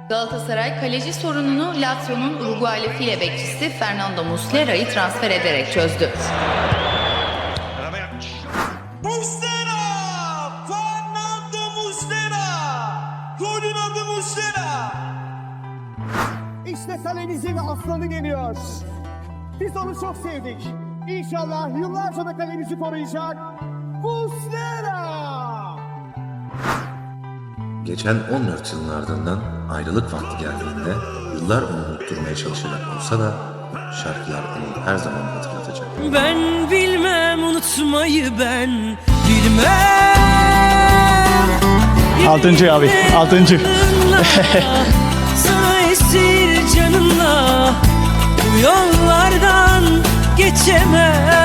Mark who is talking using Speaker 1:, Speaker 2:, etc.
Speaker 1: Galatasaray kaleci sorununu Lazio'nun Uruguaylı file bekçisi Fernando Muslera'yı transfer ederek çözdü.
Speaker 2: Muslera! Fernando Muslera! Golün adı Muslera!
Speaker 3: İşte kalemizin aslanı geliyor. Biz onu çok sevdik. İnşallah yıllarca da kalemizi koruyacak. Muslera!
Speaker 4: Geçen 14 yılın ardından ayrılık vakti geldiğinde yıllar onu unutturmaya çalışacak olsa da şarkılar onu her zaman hatırlatacak.
Speaker 5: Ben bilmem unutmayı, ben bilmem.
Speaker 6: 6. abi 6.
Speaker 5: Sana esir canımla bu yollardan geçemem.